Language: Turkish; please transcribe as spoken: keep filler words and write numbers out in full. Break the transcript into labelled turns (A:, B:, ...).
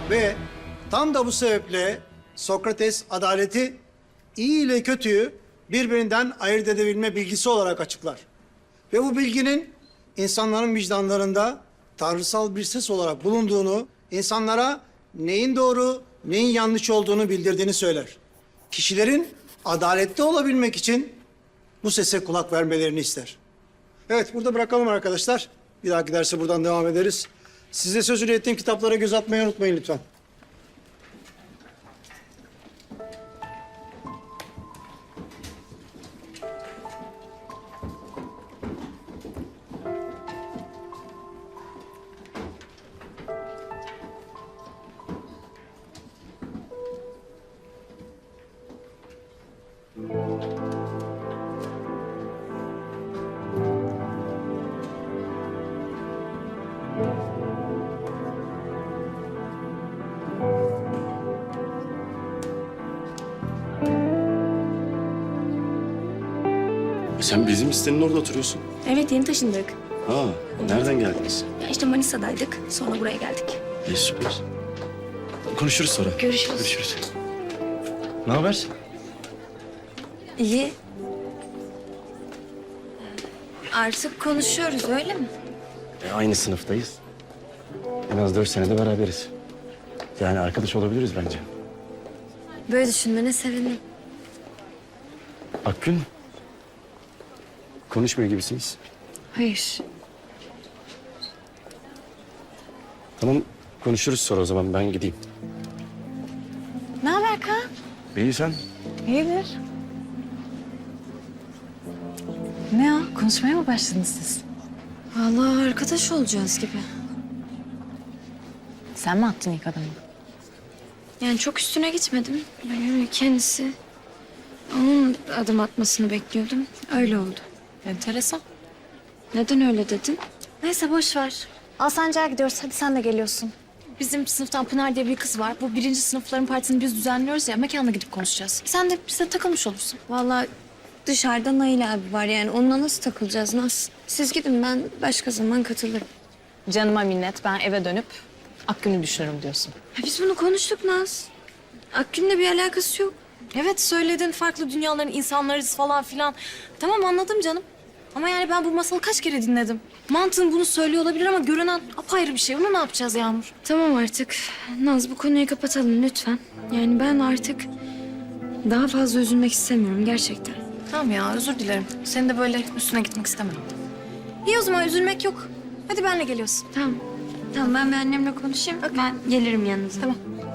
A: Ve tam da bu sebeple Sokrates adaleti iyi ile kötüyü birbirinden ayırt edebilme bilgisi olarak açıklar. Ve bu bilginin insanların vicdanlarında tanrısal bir ses olarak bulunduğunu, insanlara neyin doğru, neyin yanlış olduğunu bildirdiğini söyler. Kişilerin adaletli olabilmek için bu sese kulak vermelerini ister. Evet, burada bırakalım arkadaşlar. Bir dahaki derse buradan devam ederiz. Size sözünü ettiğim kitaplara göz atmayı unutmayın lütfen.
B: Sen bizim sitenin orada oturuyorsun.
C: Evet, yeni taşındık.
B: Ha, nereden geldiniz?
C: Ya işte Manisa'daydık. Sonra buraya geldik.
B: İyi, süper. Konuşuruz sonra.
C: Görüşürüz.
B: Görüşürüz. Ne haber?
C: İyi. Artık konuşuyoruz, öyle mi?
B: E, aynı sınıftayız. En az dört senede beraberiz. Yani arkadaş olabiliriz bence.
C: Böyle düşünmene sevindim.
B: Akgün, konuşmuyor gibisiniz.
C: Hayır.
B: Tamam, konuşuruz sonra o zaman. Ben gideyim.
D: Ne haber Kaan?
B: İyi sen?
D: İyidir. Ne o? Konuşmaya mı başladınız siz?
C: Vallahi arkadaş olacağız gibi.
D: Sen mi attın ilk adımı?
C: Yani çok üstüne gitmedim. Yani kendisi... Onun adım atmasını bekliyordum. Öyle oldu.
D: Enteresan.
C: Neden öyle dedin?
D: Neyse boş ver. Alsancak'a gidiyoruz. Hadi sen de geliyorsun. Bizim sınıftan Pınar diye bir kız var. Bu birinci sınıfların partisini biz düzenliyoruz ya. Mekanına gidip konuşacağız. Sen de bize takılmış olursun.
C: Vallahi dışarıda Nail abi var yani. Onunla nasıl takılacağız Naz? Siz gidin, ben başka zaman katılırım.
D: Canıma minnet. Ben eve dönüp Akgün'ü düşünürüm diyorsun.
C: Ya biz bunu konuştuk Naz. Akgün'le bir alakası yok.
D: Evet söyledin. Farklı dünyaların insanlarız falan filan. Tamam anladım canım. Ama yani ben bu masalı kaç kere dinledim. Mantığın bunu söylüyor olabilir ama görünen apayrı bir şey. Bunu ne yapacağız Yağmur?
C: Tamam artık. Naz, bu konuyu kapatalım lütfen. Yani ben artık daha fazla üzülmek istemiyorum gerçekten.
D: Tamam ya özür dilerim. Senin de böyle üstüne gitmek istemem. İyi o zaman üzülmek yok. Hadi benle geliyorsun.
C: Tamam. Tamam, ben bir annemle konuşayım. Ben gelirim yanınıza.
D: Tamam.